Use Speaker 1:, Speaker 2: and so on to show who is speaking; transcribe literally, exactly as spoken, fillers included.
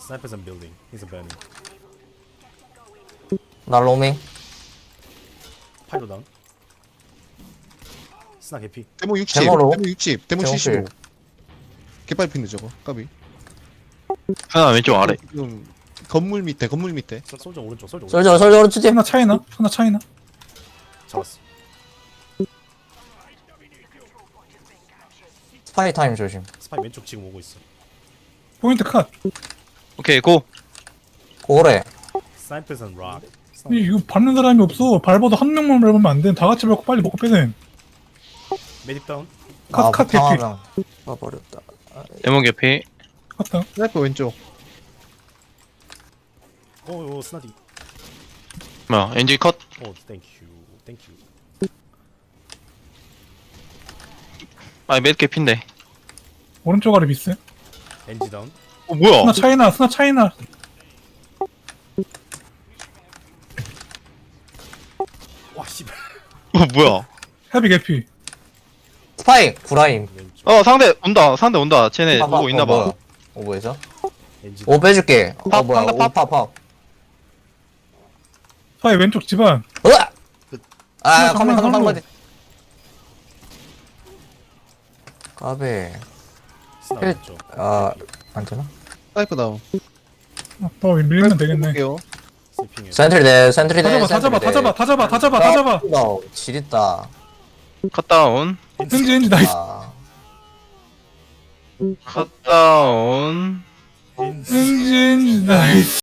Speaker 1: Sniper's in building. He's a burning.
Speaker 2: 나 로밍.
Speaker 1: 파이로 다운. 스나 개피.
Speaker 3: 데모 육십.
Speaker 2: 데모로?
Speaker 3: 데모 육십. 데모
Speaker 2: 데모
Speaker 3: 칠십오. 개빨 핀데 저거. 까비.
Speaker 4: 하나 왼쪽 아래.
Speaker 3: 지금 건물 밑에 건물 밑에.
Speaker 1: 소- 솔저 오른쪽. 솔저 오른쪽.
Speaker 2: 솔저 솔저 오른쪽지.
Speaker 5: 하나 차이나? 하나 차이나?
Speaker 1: 잡았어.
Speaker 2: 스파이 타임 조심.
Speaker 1: 스파이 왼쪽 지금 오고 있어.
Speaker 5: 포인트 컷.
Speaker 4: 오케이 고.
Speaker 2: 고래.
Speaker 1: Sniper's on rock.
Speaker 5: 이- 이거 밟는 사람이 없어. 밟아도 한 명만 밟으면 안 돼. 다 같이 밟고 빨리 먹고 빼내.
Speaker 1: 메딕 다운.
Speaker 5: 컷, 컷, 개피.
Speaker 2: 방황하면 쏴버렸다.
Speaker 4: 데몬 개피.
Speaker 5: 컷다.
Speaker 3: 스나이퍼 왼쪽.
Speaker 1: 오, 오 스나디.
Speaker 4: 뭐야 엔진 컷.
Speaker 1: 오, 땡큐. 땡큐.
Speaker 4: 아니 맷 개피인데.
Speaker 5: 오른쪽 아래 미스.
Speaker 1: 엔지 다운.
Speaker 4: 어 뭐야?
Speaker 5: 스나 차이나, 스나 차이나.
Speaker 1: 와 씨발.
Speaker 4: 어 뭐야?
Speaker 5: 헤비 개피.
Speaker 2: 스파이 구라임.
Speaker 1: 왼쪽.
Speaker 4: 어 상대 온다. 상대 온다. 쟤네
Speaker 2: 봐봐.
Speaker 4: 오고 있나
Speaker 2: 어,
Speaker 4: 봐.
Speaker 2: 뭐야? 오 뭐죠?
Speaker 1: 엔지.
Speaker 2: 오 빼줄게. 어
Speaker 4: 팝,
Speaker 2: 뭐야?
Speaker 4: 상대
Speaker 2: 오
Speaker 4: 팝.
Speaker 2: 팝팝.
Speaker 5: 스파이 왼쪽 집안.
Speaker 2: 으아! 아
Speaker 5: 어,
Speaker 2: 카메라
Speaker 5: 정말
Speaker 2: 카메라
Speaker 5: 헐로.
Speaker 2: 카메라. 까베.
Speaker 1: 스나
Speaker 2: 힐.
Speaker 1: 왼쪽.
Speaker 2: 아안 되나?
Speaker 3: 스나이퍼 다운.
Speaker 5: 아, 또 밀면 되겠네.
Speaker 3: 볼게요.
Speaker 1: 스피잉.
Speaker 2: 센트리 대 센트리
Speaker 5: 다
Speaker 2: 대.
Speaker 5: 잡아, 다 잡아, 다 잡아, 다 잡아, 다 잡아, 다 잡아.
Speaker 2: 지렸다.
Speaker 4: 컷 다운.
Speaker 5: 엔지, 엔지, 나이스.
Speaker 2: 아.
Speaker 4: 컷 다운.
Speaker 5: 엔지, 엔지, 나이스.